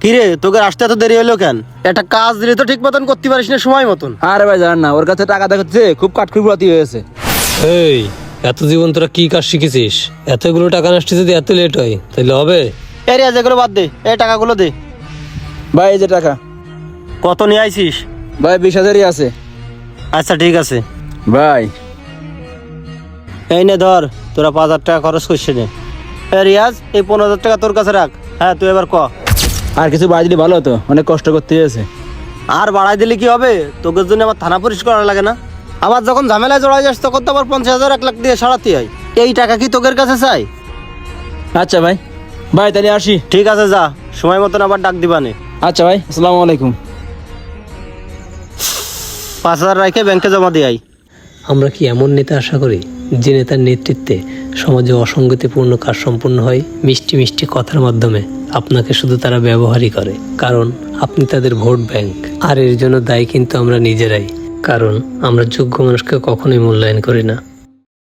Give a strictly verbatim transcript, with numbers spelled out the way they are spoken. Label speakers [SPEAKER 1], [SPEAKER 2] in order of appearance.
[SPEAKER 1] কিরে তোকে আসতে এত দেরি হলো কেন? একটা কাজ দিলে তো ঠিক মতন করতে পারিস না সময় মতন।
[SPEAKER 2] আরে ভাই জান না, ওর কাছে টাকা দেখাচ্ছে, খুব কাঠখুড়াতি হয়েছে।
[SPEAKER 3] এই এত জীবন তোরা কি কাজ শিখেছিস? এতগুলো টাকা নষ্ট যদি এত লেট হয় তাহলে হবে?
[SPEAKER 1] এই রিয়াজ এগুলো বাদ দে, এই টাকাগুলো দে।
[SPEAKER 2] ভাই এই যে টাকা।
[SPEAKER 1] কত নিয়ে আইছিস?
[SPEAKER 2] ভাই বিশ হাজারই আছে।
[SPEAKER 1] আচ্ছা ঠিক আছে
[SPEAKER 2] ভাই
[SPEAKER 1] এই নে ধর, তোরা পাঁচ হাজার টাকা খরচ করছিস নে। এই রিয়াজ এই পনেরো হাজার টাকা তোর কাছে রাখ। হ্যাঁ তুই এবার ক।
[SPEAKER 2] আর কিছু বাড়ি দিলে ভালো হতো, অনেক কষ্ট করতে হয়েছে।
[SPEAKER 1] আর বাড়াই দিলে কি হবে? তোকে জন্য আমার থানা পরিষ্কার করা লাগে না? আবার যখন ঝামেলায় জড়াই যাস তখন তো আবার পঞ্চাশ হাজার এক লাখ দিয়ে সারাতে হয়। এই টাকা কি তোকের কাছে চাই?
[SPEAKER 2] আচ্ছা ভাই, ভাই তাহলে আসি।
[SPEAKER 1] ঠিক আছে যা, সময় মতন আবার ডাক দিবানে।
[SPEAKER 2] আচ্ছা ভাই, আসসালামু আলাইকুম।
[SPEAKER 1] পাঁচ হাজার রাখে ব্যাংকে জমা দিয়ে আই।
[SPEAKER 3] আমরা কি এমন নেতা আশা করি যে নেতার নেতৃত্বে সমাজে অসঙ্গতিপূর্ণ কাজ সম্পূর্ণ হয় মিষ্টি মিষ্টি কথার মাধ্যমে? আপনাকে শুধু তারা ব্যবহারই করে, কারণ আপনি তাদের ভোট ব্যাংক। আর এর জন্য দায়ী কিন্তু আমরা নিজেরাই, কারণ আমরা যোগ্য মানুষকে কখনোই মূল্যায়ন করি না।